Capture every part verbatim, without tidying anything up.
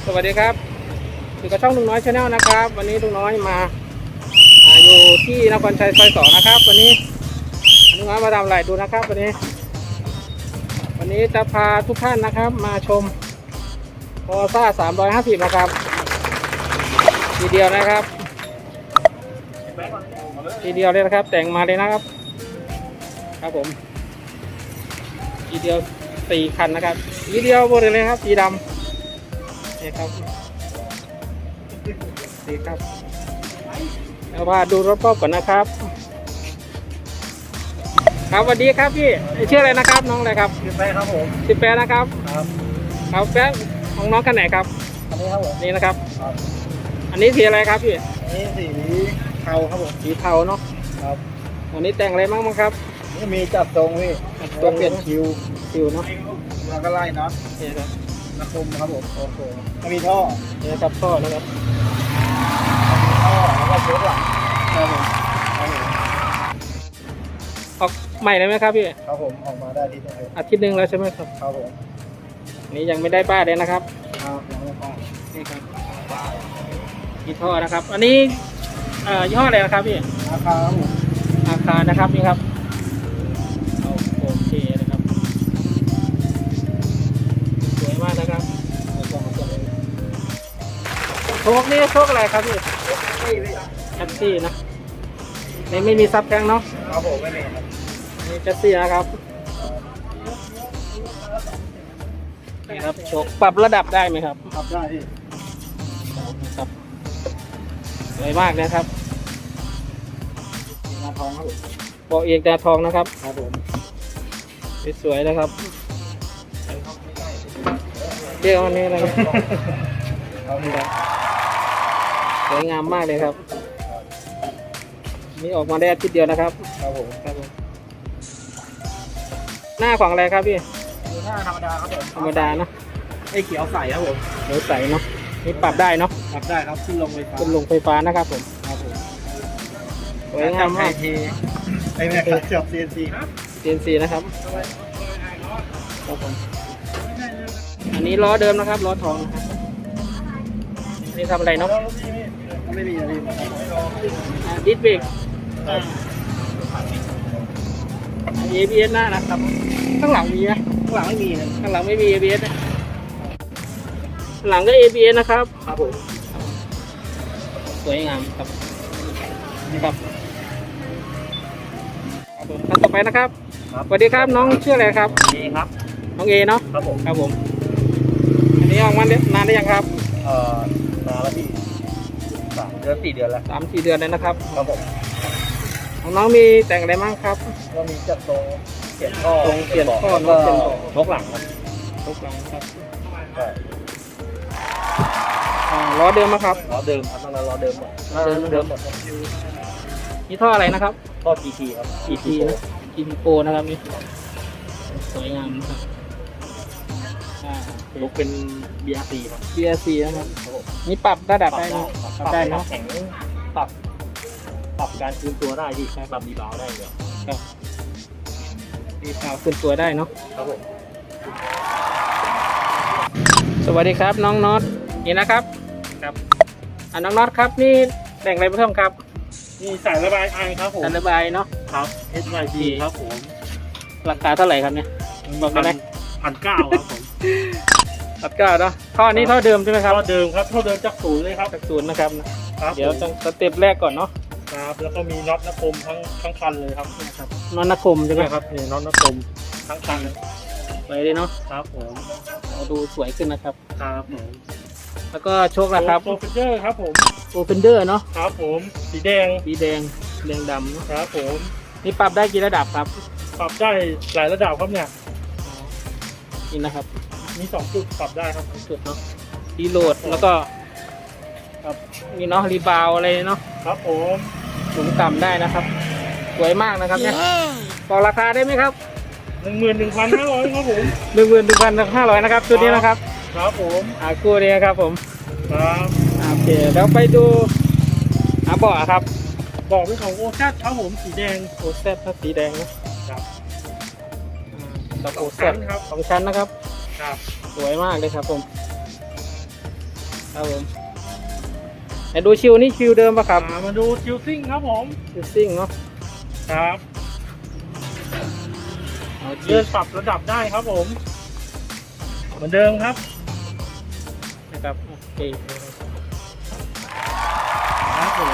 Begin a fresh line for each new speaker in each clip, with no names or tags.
วัสดีครับอยู่กับช่องลุงน้อยชาแนลนะครับวันนี้ลุงน้อยมาอยู่ที่นครชัยซอยสองนะครับวันนี้ลุงน้อยมาทำอะไรดูนะครับวันนี้วันนี้จะพาทุกท่านนะครับมาชมโคซ่าสามร้อยห้าสิบนะครับทีเดียวนะครับทีเดียวเลยนะครับแต่งมาเลยนะครับครับผมทีเดียวสี่คันนะครับทีเดียวหมดเลยครับสีดำนี่ครับดีครับเอาว่าดูรถรอบก่อนนะครับครับสวัสดีครับพี่ชื่ออะไรนะครับน้องอะไรครับ
สิบแปดครับผม
สิบแปดนะครับ
ครับ
ครับแป๊บของน้องคันไหนครับ
อันนี้ครับผม
นี่นะครับ
ครับ
อันนี้สีอะไรครับพี่
อันนี้สีเทาครับผม
สีเทาเนาะ
ครับ
วันนี้แต่งอะไรบ้างมั้งครับ
นี่มีจับตรงพี่ตัวเปลี่ยนคิว
คิวเนาะ
แล้วก็ไล่น็อต
นี่ครับ
นักคุมครับผมโอ้โหมีท่อ
นี่ครับท่อนะครับ
ท่อแล้วก็เชือกหลัง
ครับผมออกใหม่เลยไหมครับพี่
ครับผมออกมาได้ที่ตรงนี้
อาทิตย์หนึ่งแล้วใช่ไหมครับ
ครับผม
นี้ยังไม่ได้ป้ายเลยนะครับ
ครับยังไม่ป้าย
นี่ครับมีท่อนะครับอันนี้เอ่อยี่ห้ออะไรนะครับพี่
ราคาครับผม
ราคานะครับนี่ครับโอเคนะครับสวยมากนะครับโชคนี่โชคอะไรครับพี่แท็กซี่นะนี่ไม่มีซับแทงเนาะ
ครับผมไม่มีครับ
นี่แท็กซี่นะครับนี่ครับโชคปรับระดับได้ไหมครับ
ปรับได้ที่
ครับสวยมากนะครับ
งาทองครับผม
บอกเอกตาทองนะครับ
ครับผม
สวยๆนะครับเรียกวันนี้อะไรสวยงามมากเลยครับนี่ออกมาได้อาทิตย์เดียวนะครับ
ครับผม
ครับผมหน้าของอะไรครับพี่
หน้าธรรมดาครับผม
ธรรมดานะ
ไอ้เขียวใสครับผม
เขียวใสเนาะนี่ปรับได้เนาะ
ปรับได้ครับขึ้นลงไฟฟ้า
ขึ้นลงไฟฟ้านะครับผม
ครับผม
สวยงามมาก
ไอ้แม่ครับจับ ซี เอ็น ซี
ซี เอ็น ซี นะครับครับผมอันนี้ล้อเดิมนะครับล้อทองนะครับนี่ทำอะไรเนาะ
ไม่มีอะไร
ดิสเบรก เอ บี เอส หน้านะครับข้างหลังมีไหม
ข้างหลังไม่มีนะ
ข้างหลังไม่มี เอ บี เอส นะหลังก็ เอ บี เอส นะครับ
ครับผม
สวยงามครับนี่ครับท่านต่อไปนะครับสวัสดีครับน้องชื่ออะไรครับ
เอครับ
น้องเอเนาะ
ครับผม
ครับผมอันนี้ออกมานานได้ยังครับ
เอ่อนานแล้วพี่สามเดือนสี่เดือนแล้ว
สามสี่เดือนเลยนะครับ
ครับผม
ของน้องมีแต่งอะไรบ้างครับ
ก็มีจัดตรงเปลี่ยนท่อ
ตรงเปลี่ยนท่อเนาะเปลี่ยนท่อ
ชกหลังครับ
ชกหลังครับล้อเดิมไหมครับ
ล้อเดิมครับตั้งแต่ล้อเดิมหมด
เดิมเดิมหมดนี่ท่ออะไรนะครับ
ท่อ จี ที ครับ
จี ที นะ จี ที Pro นะครับนี่สวยงามนะครับ
ลุกเป็น บี อาร์ ซี ครับ
บี อาร์ ซี นะครับนี่ปรับระดับได้นะ
ปรับได้เนาะแข็งปรับปรับการคืนตัวได้ที่ปรับดีบาวได้เลย
ครับดีบาวคืนตัวได้เนาะ
ครับผม
สวัสดีครับน้องน็อตนี่นะครับครับอ่าน้องน็อตครับนี่แต่งอะไรเพิ่มครับ
นี่สายระบายไอครับผม
สายระบายเนาะ
ครับ เอส วาย ดี ครับผม
ราคาเท่าไหร่ครับเนี่ยบอกได้ไหม
พันเก้าครับผม
พันเก้าเนาะท่อนี้ท่อเดิมใช่ไหมครับ
ท่อเดิมครับท่อเดิมจากศูนย์เลยครับ
จากศูนย์นะครับเดี๋ยวต้องสเต็ปแรกก่อนเนาะ
ครับแล้วก็มีน็อตนักคมทั้งทั้งคันเลยครับ
นะครับน็อตนักคมใช่ไหม
ครับนี่น็อตนักคมทั้งคัน
ไปเลยเนาะ
ครับผม
เราดูสวยขึ้นนะครับ
ครับผม
แล้วก็โชคละครับ
โปรเฟนเดอร์ครับผม
โปรเฟนเดอร์เนาะ
ครับผมสีแดง
สีแดงแดงดำ
นะครับผม
นี่ปรับได้กี่ระดับครับ
ปรับได้หลายระดับครับเนี่ย
นี่นะครับ
มีสองจุดปรับได้ครับ
จุดเนาะรีโหลดแล้วก็ครับมีเนาะรีบาวอะไรเนาะ
ครับผม
สูงต่ำได้นะครับสวยมากนะครับเนี่ยบอกราคาได้ไหมครับ
หนึ่งหมื่นหนึ่งพันห้าร้อยครับผม
หนึ่งหมื่นหนึ่งพันห้าร้อยนะครับตัวนี้นะครับ
ครับผม
อ่าคู่นี้ครับผม
ครับ
โอเคแล้วไปดูอ่าเบาะครับ
เบาะเป็นของโอแซดครับผมสีแดง
โอแซดถ้าสีแดงนะครับกับโอแซด
ครับ
สองชั้นนะครับ
ครับ
สวยมากเลยครับผมครับผมไหนดูชิวนี่ชิวเดิมปะครับ
อ่ามาดูชิลซิ่งครับผม
ชิวซิ่งเนาะ
ครับ
เอาชิ
เลื่
ว
อนปรับระดับได้ครับผม เหมือนเดิมครับ
นะครับโอเค
ครับผม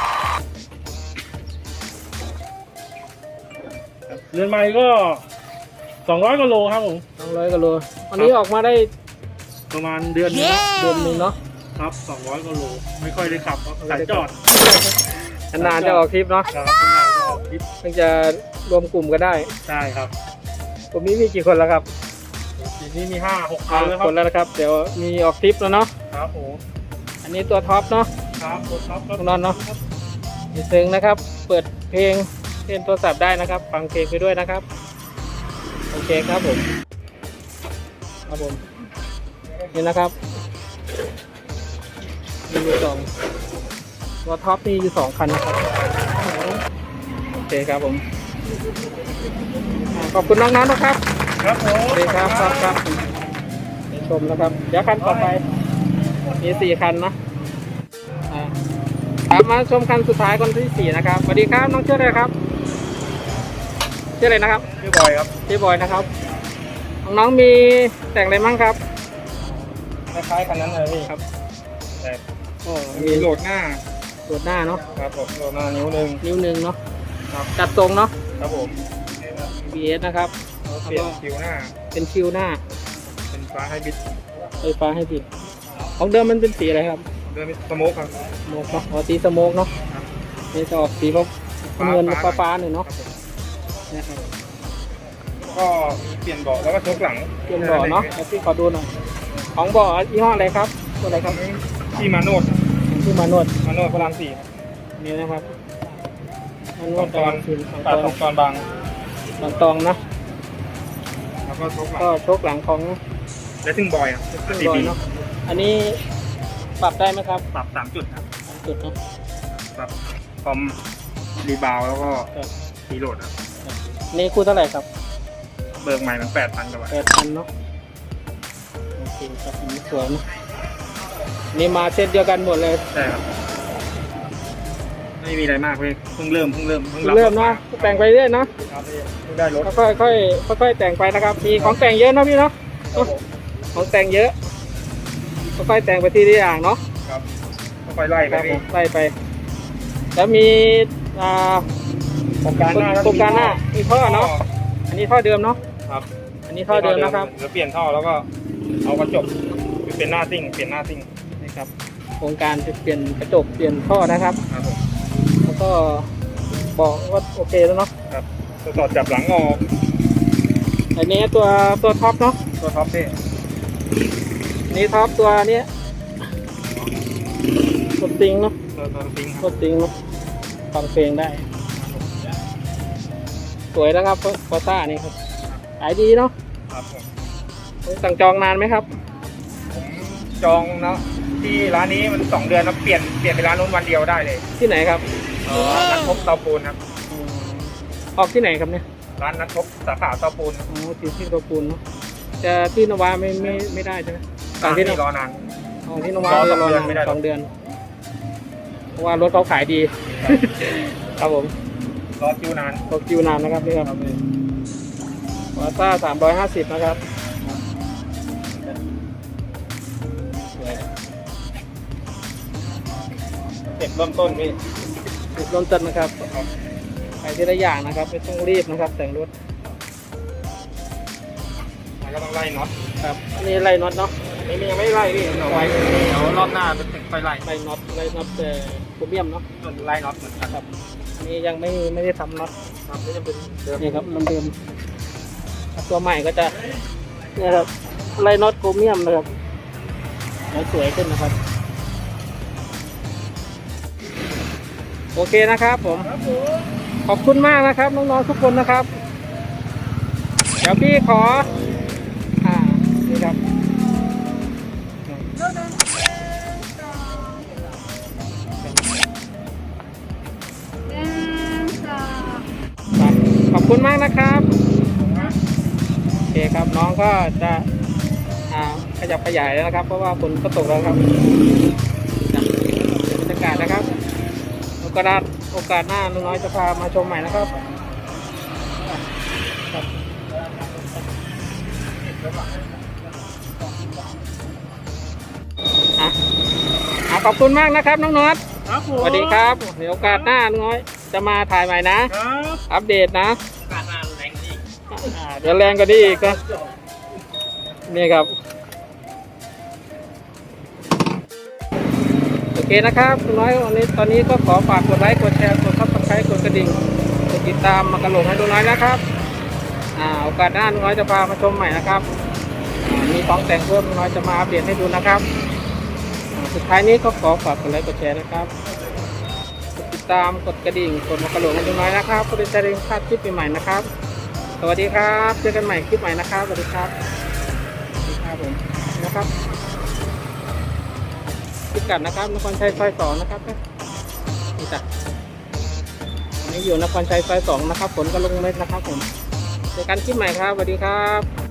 เรือนไม้ก็สองร้อยกิโลครับผม
สองร้อยกิโลวันนี้ออกมาได้
ประมาณเดือนนึง
เดือนหนึงเนาะ
ครับสองร้อยกิโลไม่ค่อยได้ขับครับสายจอด
นานๆจะออกทริปเนาะ
ครับนานๆจะออกทริป
เพิ่งจะรวมกลุ่มกันได้
ใช่ครับ
ผมนี้มีกี่คนแล้วครับ
ทีนี้มีห้าหกคั
ห้าน
แล้วค
ครับ นแล้วนะครับ เดี๋ยวมีออกทริปแล้วเนาะ
ครับผม
อันนี้ตัวท็อปเนาะ
ครับรถท็อปรถ
ข้างนอกเนาะ มีซึ้งนะครับ เปิดเพลงเล่นโทรศัพท์ได้นะครับ ฟังเพลงไปด้วยนะครับ โอเคครับผม ครับผม นี่นะครับ มีอยู่สองตัวท็อปมีอยู่สองคันนะครับ โอเคครับผมอ่าขอบคุณน้องๆนะครับ
ครับผม
สวัสดีครับครับครับไปชมนะครับ เดี๋ยวคันต่อไป มีสี่คันนะอ่าครับมาชมคันสุดท้ายคนที่สี่นะครับ สวัสดีครับน้องชื่ออะไรครับ ชื่ออะไรนะครับ
ชื่อบอยครับ
ชื่อบอยนะครับ น้องๆมีแต่งอะไรมั่งครับ
คล้ายๆคันนั้นเลยพี่
ครับ
แต่
โอ้
มีโหลดหน้า
ตรวจหน้าเนาะ
ครับผมโหลดหน้านิ้วหนึ่ง
นิ้วหนึ่งเนาะ
ครับ
จัดทรงเนาะ
ครับผม
บี เอส นะครับ
เราเปลี่ยนคิวหน้า
เป็นชิวหน้า
เป็นฟ้าให้บิด
ไฟฟ้าให้ติด ของเดิมมันเป็นสีอะไรครับ
เดินสโมกครับ
สโมกเนาะอ๋อสีสโมกเนาะ
ครับ
นี่จะออกสีแบบเงินฟ้าฟ้าๆหน่อย
ค
เนาะ
รับผม
นะครับ
ก็มีเปลี่ยนเบาะแล้วก็ชกหลัง
เตรียมเบาะเนาะเดี๋ยวพี่ขอดูหน่อย ของเบาะยี่ห้ออะไรครับตัวอะไรครับ
ที่มาโนด
ที่มานวด
มาโนดพระรามสี่
นี่นะครับมาน
ส
ว
อ
ด
งตอน
คืนสอง
ตัด
ต
ส
อ
อน งตอนบาง
สองตองนะ
แล้วก็ชกหลัง
ก็ชกหลังของ
และซึ่งบอยอ่ะ
เครื่อง
สี่
บอย
ปี
เนาะ อันนี้ปรับได้ไหมครับ
ปรับสามจุดครับ
สามจุดเนาะ
ปรับคอมรีบาวแล้วก็
ครับ
รีโหลดครับ
นี่คู่เท่าไหร่ครับ
เบิกใหม่มันแปดพันกว่าบาท
แปดพันเนาะโอเคครับอันนี้สวยนะนี่มาเซตเดียวกันหมดเลย
ใช่ครับ ไม่มีอะไรมากเลยเพิ่งเริ่มเพิ่งเริ่มเพิ่งรับ
เริ่มเนาะแต่งไปเรื่อยเนาะ
ครับพี่เพิ่งได้รถ
ค่อยๆค่อยๆค่อยๆแต่งไปนะครับมีของแต่งเยอะเนาะพี่เนาะ
ครับผม
ของแต่งเยอะค่อยๆแต่งไปทีละอย่างเนาะ
ครับค่อยๆไล่ไป
ครับผ
พี่
มไล่ไป แล้วมีอ่า
โครงการหน้า
โครงการหน้ามีท่อเนาะอันนี้ท่อเดิมเนาะ
ครับ
อันนี้ท่อเดิมนะครับ
แล้วเปลี่ยนท่อแล้วก็เอากระจกเป็นหน้าซิ่งเปลี่ยนหน้าซิ่ง
นี่ครับโครงการจะเปลี่ยนกระจกเปลี่ยนท่อนะครับ
ครับผม
แล้วก็บอกว่าโอเคแล้วเนาะ
ครับตัวต่อจับหลังออก
อันนี้ตัวตัวท็อปเนาะ
ตัวท็อปพี่
อันนี้ท็อปตัวเนี้ยตัวติงเนาะ
ตัวตัวซิ่งค
ตั
รับ
วติงเนาะฟังเพลงได้ สวยนะครับฟอต้านี่ครับขายดีเนาะ
ครับผม
สั่งจองนานไหมครับ
ผมจองเนาะที่ร้านนี้มันสองเดือนแล้วเปลี่ยนเปลี่ยนไปร้านนู้นวันเดียวได้เลย
ที่ไหนครับ
เออร้านทบเตาปูนครับ
อืมออกที่ไหนครับเนี่ย
ร้านนัดทบสาขาเตาปูนครับ
อ๋อที่ที่ตัวปูนเนาะจะที่นวาไม่ไม่ไม่ได้ใช่ไหมสั่ง
ร้าน
ที่
ที่
น
ร
วา
อนาน
อ๋อที่นวาร
อสอง
รอ
เดือน
นาน
ไม่ได้หรอก
สองเดือนเพราะว่ารถเขาขายดี ครับผม
รอคิวนาน
รถคิวนานนะครับนี่ครับวาซ่าสามร้อยห้าสิบนะครับสวย
เก็บเริ่มต้นพี่
จุดเริ่มต้นนะครับไปทีละอย่างนะครับไม่ต้องรีบนะครับ แต่งรถ
มันก็ต้องไล่น็อต
ครับนี่ไล่น็อตเนาะ
นี่มันยังไม่ไล่พี่เอาไว้เดี๋ยวรอบหน้าจะติดไฟไล่
ไล่น็อตไล่น็อตแต่โครเมียมเนาะ
ส่วนไล่น็อตเหมือนกัน
ครับอันนี้ยังไม่ไม่ได้ทำน็อต
ครับนี่จะเป็นเดิม
นี่ครับมันเดิมตัวใหม่ก็จะเนี่ยครับไล่น็อตโครเมียมนะครับแล้วสวยขึ้นนะครับ โอเคนะครับผม
ครับผม
ขอบคุณมากนะครับน้องๆทุกคนนะครับ เดี๋ยวพี่ขออ่านี่ครับครับขอบคุณมากนะครับโอเคครับน้องก็จะอ่าขยับขยายแล้วนะครับ เพราะว่าฝนก็ตกแล้วครับนะบรรยากาศนะครับโอกาสโอกาสหน้าลุงน้อยจะพามาชมใหม่นะครับครับอ่ะอ่ะขอบคุณมากนะครับน้องน็อต
ครับผม
สวัสดีครับเดี๋ยวโอกาสหน้าลุงน้อยจะมาถ่ายใหม่นะ
ครับ
อัปเดตนะ
การงานแรงดี
อ่าเดี๋ยวแรงก็ดีอีกก็นี่ครับโอเคนะครับลุงน้อยวันนี้ตอนนี้ก็ขอฝากกดไลค์กดแชร์กดซับสไครต์กดกระดิ่งกดติดตามมากระโหลกให้ลุงน้อยนะครับอ่าโอกาสหน้าลุงน้อยจะพามาชมใหม่นะครับอ่ามีของแต่งเพิ่มลุงน้อยจะมาอัปเดตให้ดูนะครับอ่าสุดท้ายนี้ก็ขอฝากกดไลค์กดแชร์นะครับกดติดตามกดกระดิ่งกดมากระโหลกให้ลุงน้อยนะครับเพื่อจะได้พลาดคลิปใหม่ๆนะครับสวัสดีครับเจอกันใหม่คลิปใหม่นะครับสวัสดีครับสวัสดีครับผมนะครับพิกัดนะครับนครชัยซอยสองนะครับนี่จ้ะวันนี้อยู่นครชัยซอยสองนะครับฝนก็ลงเม็ดนะครับผมเจอกันคลิปใหม่ครับสวัสดีครับ